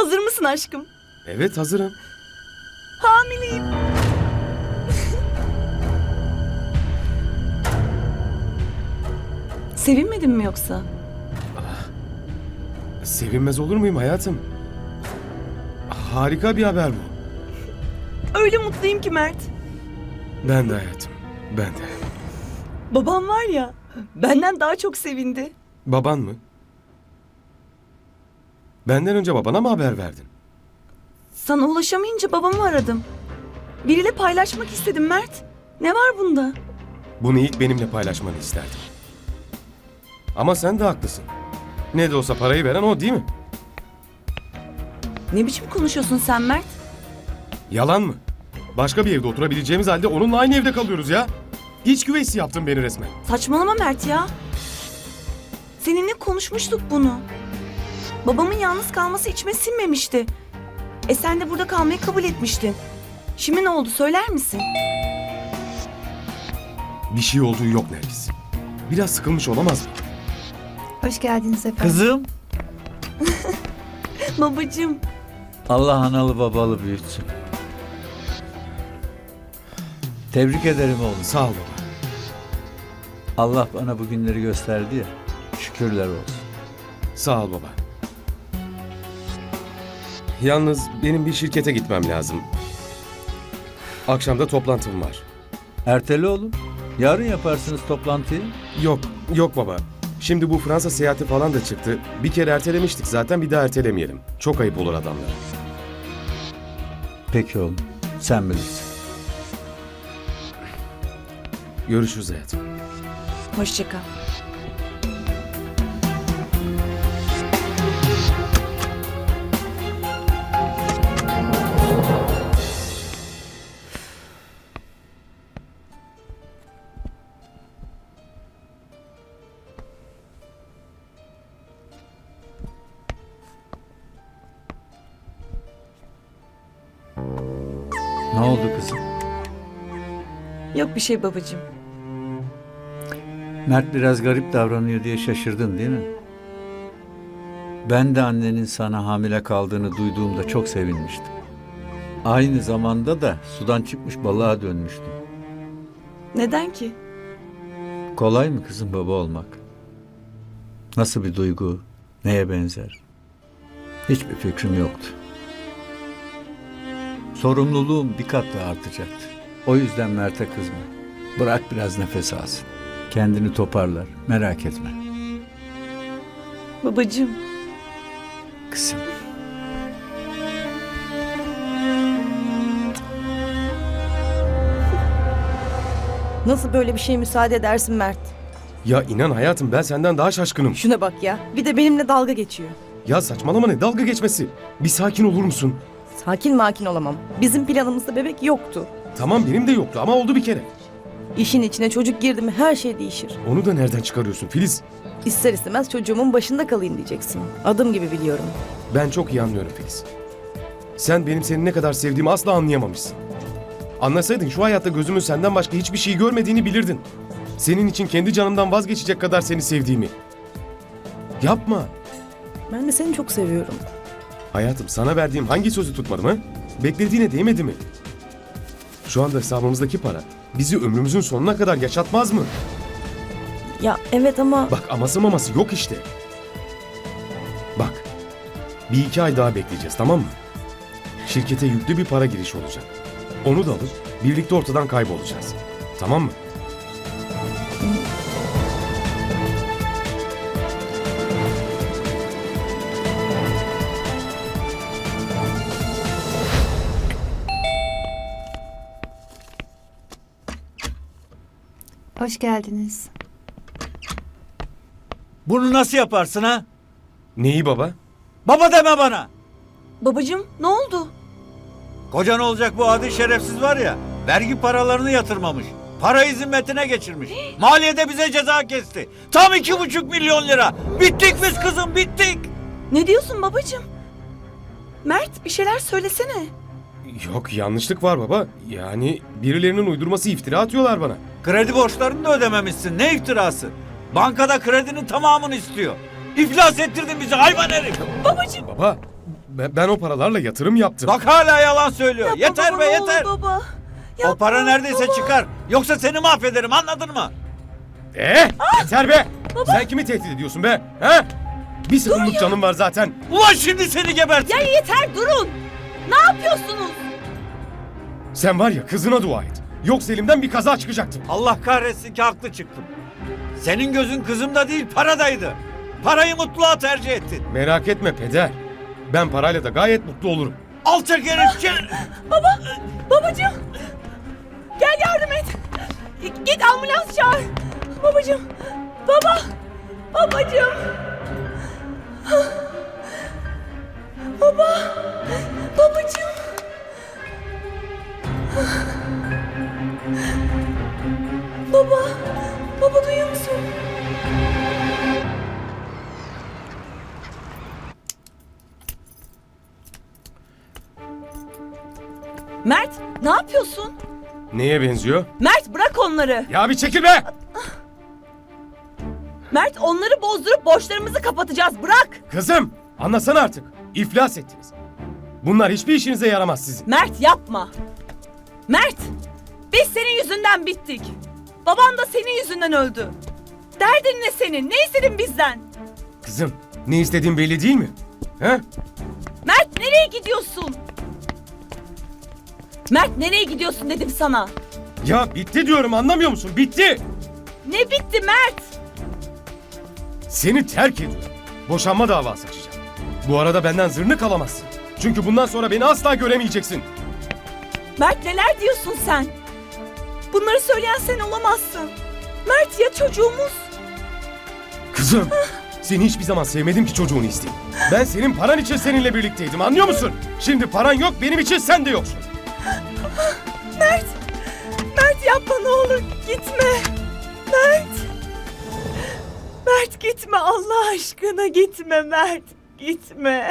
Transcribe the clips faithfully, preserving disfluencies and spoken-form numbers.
Hazır mısın aşkım? Evet, hazırım. Hamileyim. Sevinmedin mi yoksa? Sevinmez olur muyum hayatım? Harika bir haber bu. Öyle mutluyum ki Mert. Ben de hayatım, ben de. Babam var ya, benden daha çok sevindi. Baban mı? Benden önce babana mı haber verdin? Sana ulaşamayınca babamı aradım. Biriyle paylaşmak istedim Mert. Ne var bunda? Bunu ilk benimle paylaşmanı isterdim. Ama sen de haklısın. Ne de olsa parayı veren o, değil mi? Ne biçim konuşuyorsun sen Mert? Yalan mı? Başka bir evde oturabileceğimiz halde onunla aynı evde kalıyoruz ya. İç güveysi yaptın beni resmen. Saçmalama Mert ya. Seninle konuşmuştuk bunu. Babamın yalnız kalması içime sinmemişti. E sen de burada kalmayı kabul etmiştin. Şimdi ne oldu söyler misin? Bir şey olduğu yok Nergis. Biraz sıkılmış olamaz mı? Hoş geldiniz efendim. Kızım, Babacığım. Allah analı babalı büyütsün. Tebrik ederim oğlum. Sağ ol baba. Allah bana bu günleri gösterdi ya. Şükürler olsun. Sağ ol baba. Yalnız benim bir şirkete gitmem lazım. Akşam da toplantım var. Ertele oğlum. Yarın yaparsınız toplantıyı. Yok, yok baba. Şimdi bu Fransa seyahati falan da çıktı. Bir kere ertelemiştik zaten, bir daha ertelemeyelim. Çok ayıp olur adamlara. Peki oğlum. Sen bilirsin. Görüşürüz hayatım. Hoşça kal. Ne oldu kızım? Yok bir şey babacığım. Mert biraz garip davranıyor diye şaşırdın değil mi? Ben de annenin sana hamile kaldığını duyduğumda çok sevinmiştim. Aynı zamanda da sudan çıkmış balığa dönmüştüm. Neden ki? Kolay mı kızım baba olmak? Nasıl bir duygu, neye benzer? Hiçbir fikrim yoktu. Sorumluluğum bir kat daha artacaktı. O yüzden Mert'e kızma. Bırak biraz nefes alsın. Kendini toparlar, merak etme. Babacığım. Kızım. Nasıl böyle bir şeye müsaade edersin Mert? Ya inan hayatım, ben senden daha şaşkınım. Şuna bak ya. Bir de benimle dalga geçiyor. Ya saçmalama, ne dalga geçmesi? Bir sakin olur musun? Sakin makin olamam. Bizim planımızda bebek yoktu. Tamam, benim de yoktu ama oldu bir kere. İşin içine çocuk girdi mi her şey değişir. Onu da nereden çıkarıyorsun Filiz? İster istemez çocuğumun başında kalayım diyeceksin. Adım gibi biliyorum. Ben çok iyi anlıyorum Filiz. Sen benim seni ne kadar sevdiğimi asla anlayamamışsın. Anlasaydın şu hayatta gözümün senden başka hiçbir şey görmediğini bilirdin. Senin için kendi canımdan vazgeçecek kadar seni sevdiğimi. Yapma. Ben de seni çok seviyorum. Hayatım, sana verdiğim hangi sözü tutmadım ha? Beklediğine değmedi mi? Şu anda hesabımızdaki para bizi ömrümüzün sonuna kadar yaşatmaz mı? Ya evet ama... Bak, aması maması yok işte. Bak, bir iki ay daha bekleyeceğiz, tamam mı? Şirkete yüklü bir para girişi olacak. Onu da alıp birlikte ortadan kaybolacağız. Tamam mı? Hoş geldiniz. Bunu nasıl yaparsın ha? Neyi baba? Baba deme bana! Babacığım ne oldu? Kocan olacak bu adi şerefsiz var ya, vergi paralarını yatırmamış. Parayı zimmetine geçirmiş. Maliyede bize ceza kesti. Tam iki buçuk milyon lira. Bittik biz kızım, bittik. Ne diyorsun babacığım? Mert bir şeyler söylesene. Yok, yanlışlık var baba. Yani birilerinin uydurması, iftira atıyorlar bana. Kredi borçlarını da ödememişsin. Ne iftirası? Bankada kredinin tamamını istiyor. İflas ettirdin bizi hayvan herif. Babacığım. Baba, ben, ben o paralarla yatırım yaptım. Bak hala yalan söylüyor. Yapma yeter baba, be ne olur yeter. baba. O Yapma para neredeyse baba. çıkar. Yoksa seni mahvederim, anladın mı? Ee, yeter be! Sen kimi tehdit ediyorsun be? He? Bir sıkımlık canım var zaten. Ulan şimdi seni gebertirim. Ya yeter durun. Ne yapıyorsunuz? Sen var ya kızına dua et. Yoksa elimden bir kaza çıkacaktı. Allah kahretsin ki haklı çıktım. Senin gözün kızımda değil paradaydı. Parayı mutluluğa tercih ettin. Merak etme peder. Ben parayla da gayet mutlu olurum. Alçak herif. gel- Babacığım. Gel yardım et. Git ambulans çağır. Babacığım. Baba. Babacığım. Baba. Babacığım. Baba. Baba duyuyor musun? Mert, ne yapıyorsun? Neye benziyor? Mert bırak onları. Ya bir çekil be! Mert onları bozdurup borçlarımızı kapatacağız. Bırak. Kızım anlasana artık. İflas ettiniz. Bunlar hiçbir işinize yaramaz sizin. Mert yapma. Mert, biz senin yüzünden bittik. Baban da senin yüzünden öldü. Derdin ne senin? Ne istedin bizden? Kızım ne istediğin belli değil mi? He? Mert nereye gidiyorsun? Mert nereye gidiyorsun dedim sana. Ya bitti diyorum anlamıyor musun? Bitti! Ne bitti Mert? Seni terk ediyorum. Boşanma davası açacağım. Bu arada benden zırnık alamazsın. Çünkü bundan sonra beni asla göremeyeceksin. Mert neler diyorsun sen? Bunları söyleyen sen olamazsın. Mert ya çocuğumuz? Kızım, seni hiçbir zaman sevmedim ki çocuğunu isteyeyim. Ben senin paran için seninle birlikteydim anlıyor musun? Şimdi paran yok benim için sen de yoksun. Mert! Mert yapma ne olur gitme. Mert! Mert gitme Allah aşkına gitme Mert. Gitme.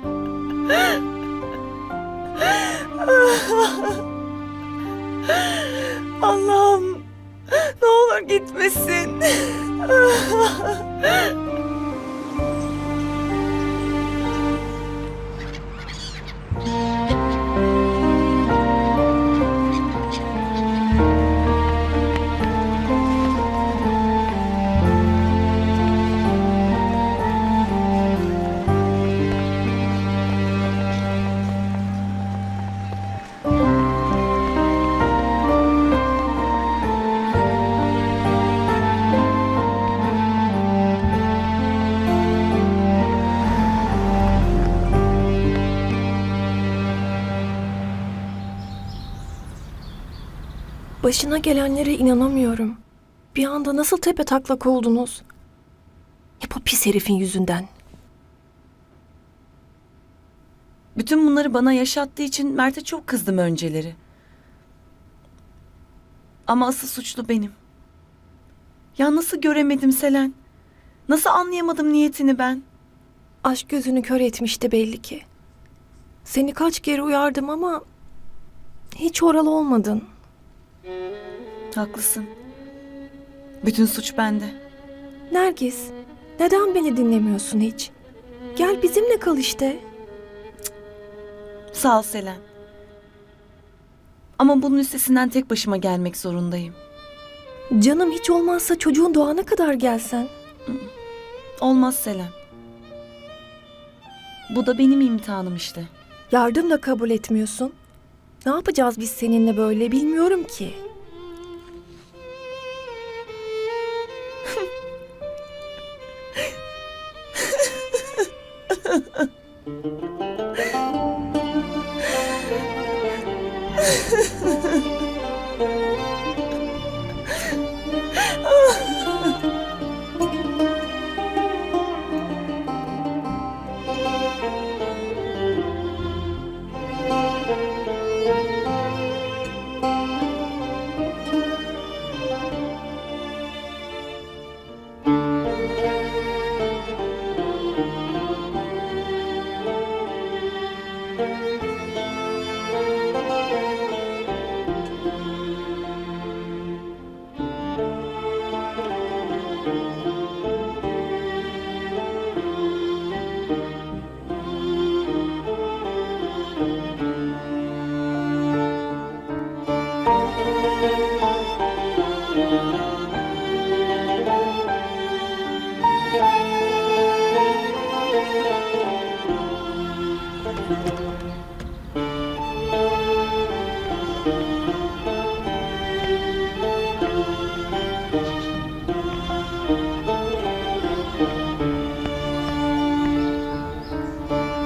Allah'ım ne olur gitmesin. Başına gelenlere inanamıyorum. Bir anda nasıl tepe taklak oldunuz? Hep o pis herifin yüzünden. Bütün bunları bana yaşattığı için Mert'e çok kızdım önceleri. Ama asıl suçlu benim. Ya nasıl göremedim Selen? Nasıl anlayamadım niyetini ben? Aşk gözünü kör etmişti belli ki. Seni kaç kere uyardım ama hiç oralı olmadın. Haklısın. Bütün suç bende. Nergis, neden beni dinlemiyorsun hiç? Gel bizimle kal işte. Sağ ol Selen. Ama bunun üstesinden tek başıma gelmek zorundayım. Canım hiç olmazsa çocuğun doğana kadar gelsen. Olmaz Selen. Bu da benim imtihanım işte. Yardım da kabul etmiyorsun. Ne yapacağız biz seninle böyle bilmiyorum ki.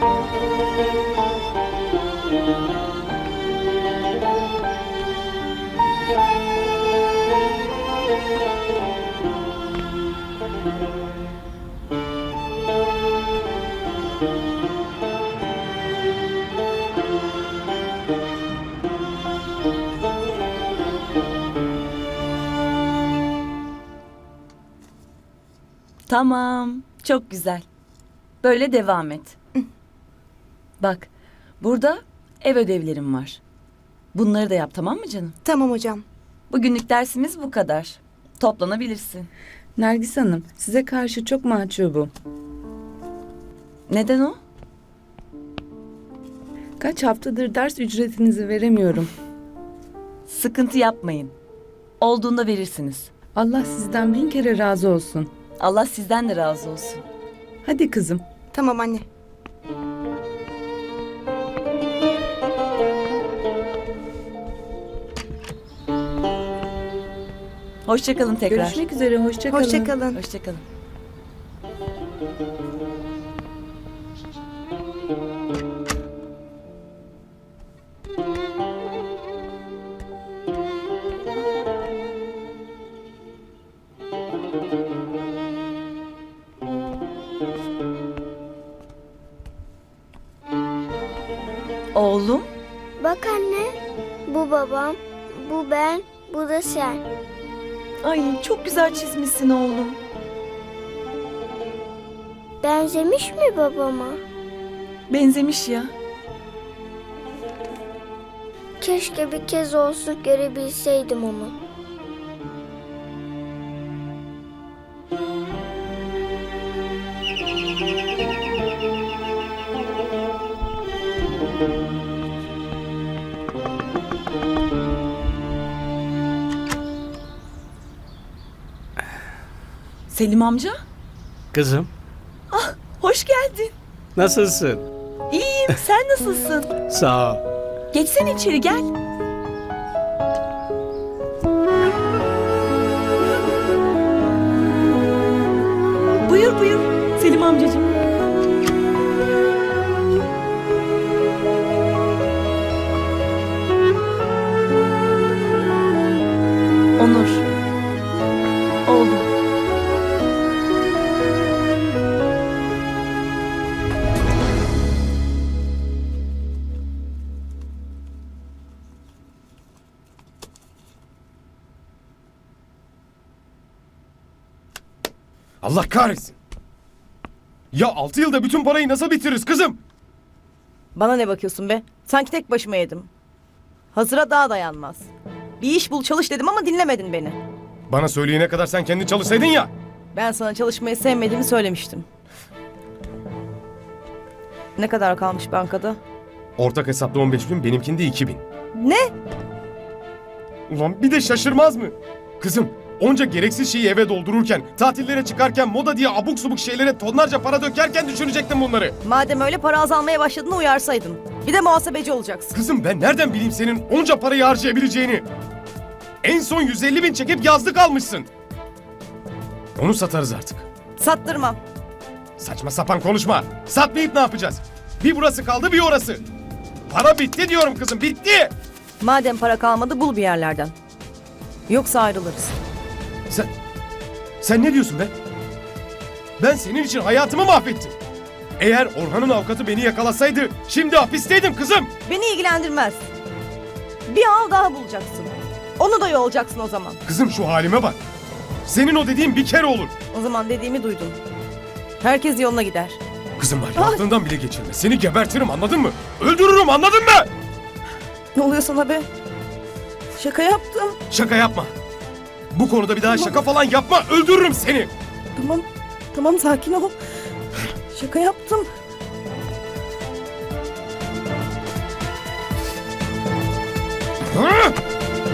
Tamam. Çok güzel. Böyle devam et. Bak, burada ev ödevlerim var. Bunları da yap, tamam mı canım? Tamam hocam. Bugünlük dersimiz bu kadar. Toplanabilirsin. Nergis Hanım, size karşı çok mahcubum. Neden o? Kaç haftadır ders ücretinizi veremiyorum. Sıkıntı yapmayın. Olduğunda verirsiniz. Allah sizden bin kere razı olsun. Allah sizden de razı olsun. Hadi kızım. Tamam anne. Hoşça kalın tekrar. Görüşmek üzere, hoşça kalın. Hoşça kalın. Hoşça kalın. Oğlum, Bak anne, bu babam, bu ben, bu da sen. ay çok güzel çizmişsin oğlum. Benzemiş mi babama? Benzemiş ya. Keşke bir kez olsun görebilseydim onu. Selim amca, Kızım, hoş geldin. nasılsın? İyiyim, sen nasılsın? Sağ ol. Geçsene içeri, gel. Buyur buyur Selim amcacığım. Onur. Oğlum. Allah kahretsin. Ya altı yılda bütün parayı nasıl bitiririz kızım? Bana ne bakıyorsun be? Sanki tek başıma yedim. Hazıra daha dayanmaz. Bir iş bul çalış dedim ama dinlemedin beni. Bana söyleyene kadar sen kendin çalışsaydın ya. Ben sana çalışmayı sevmediğimi söylemiştim. Ne kadar kalmış bankada? Ortak hesapta on beş bin, benimkinde iki bin. Ne? Ulan bir de şaşırmaz mı? Kızım, onca gereksiz şeyi eve doldururken, tatillere çıkarken, moda diye abuk subuk şeylere tonlarca para dökerken düşünecektin bunları. Madem öyle para azalmaya başladığını uyarsaydın. Bir de muhasebeci olacaksın. Kızım ben nereden bileyim senin onca parayı harcayabileceğini? En son yüz elli bin çekip yazlık almışsın. Onu satarız artık. Sattırmam. Saçma sapan konuşma. Satmayıp ne yapacağız? Bir burası kaldı bir orası. Para bitti diyorum kızım, bitti. Madem para kalmadı bul bir yerlerden. Yoksa ayrılırız. Sen, sen ne diyorsun be? Ben senin için hayatımı mahvettim. Eğer Orhan'ın avukatı beni yakalasaydı şimdi hapisteydim kızım. Beni ilgilendirmez. Bir av daha bulacaksın. Onu da yolacaksın o zaman. Kızım şu halime bak. Senin o dediğin bir kere olur. O zaman dediğimi duydun. Herkes yoluna gider. Kızım var ya, aklından bile geçirme. Seni gebertirim, anladın mı? Öldürürüm, anladın mı? Ne oluyor sana be? Şaka yaptım. Şaka yapma. Bu konuda bir daha şaka falan yapma. Öldürürüm seni. Tamam. Tamam sakin ol. Şaka yaptım. Hı?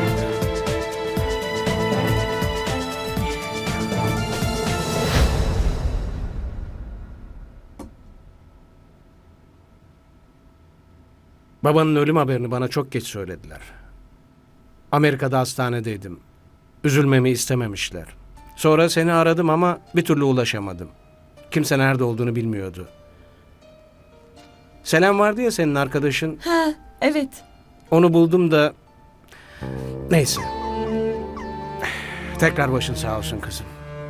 Babanın ölüm haberini bana çok geç söylediler. Amerika'da hastanedeydim. Üzülmemi istememişler. Sonra seni aradım ama bir türlü ulaşamadım. Kimse nerede olduğunu bilmiyordu. Selam vardı ya senin arkadaşın. Ha, evet. Onu buldum da... Neyse. Tekrar başın sağ olsun kızım.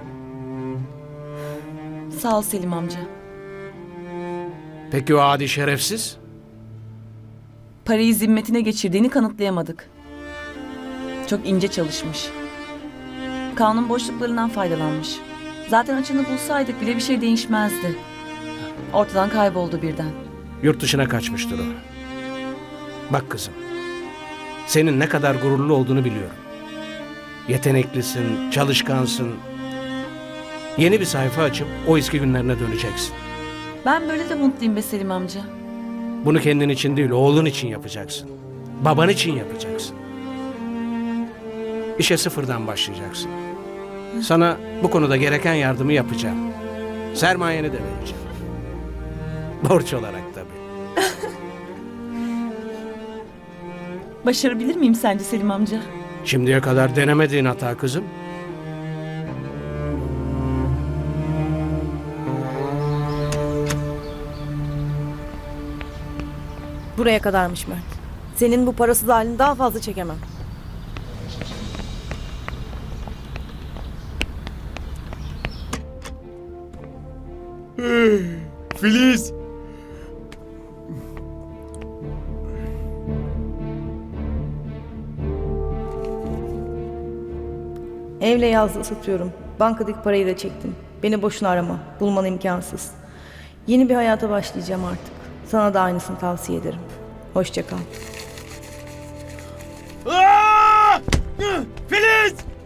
Sağ ol Selim amca. Peki o adi şerefsiz? Parayı zimmetine geçirdiğini kanıtlayamadık. Çok ince çalışmış. Kanun boşluklarından faydalanmış. Zaten açığını bulsaydık bile bir şey değişmezdi. Ortadan kayboldu birden. Yurt dışına kaçmıştır o. Bak kızım. Senin ne kadar gururlu olduğunu biliyorum. Yeteneklisin, çalışkansın. Yeni bir sayfa açıp o eski günlerine döneceksin. Ben böyle de mutluyum be Selim amca. Bunu kendin için değil, oğlun için yapacaksın. Baban için yapacaksın. İşe sıfırdan başlayacaksın. Sana bu konuda gereken yardımı yapacağım. Sermayeni de vereceğim. Borç olarak tabii. Başarabilir miyim sence Selim amca? Şimdiye kadar denemediğin hata kızım. Buraya kadarmış Mert. Senin bu parasız halini daha fazla çekemem. Filiz! Evle yazlığı satıyorum. Bankadaki parayı da çektim. Beni boşuna arama. Bulman imkansız. Yeni bir hayata başlayacağım artık. Sana da aynısını tavsiye ederim. Hoşça kal. Aa! Filiz!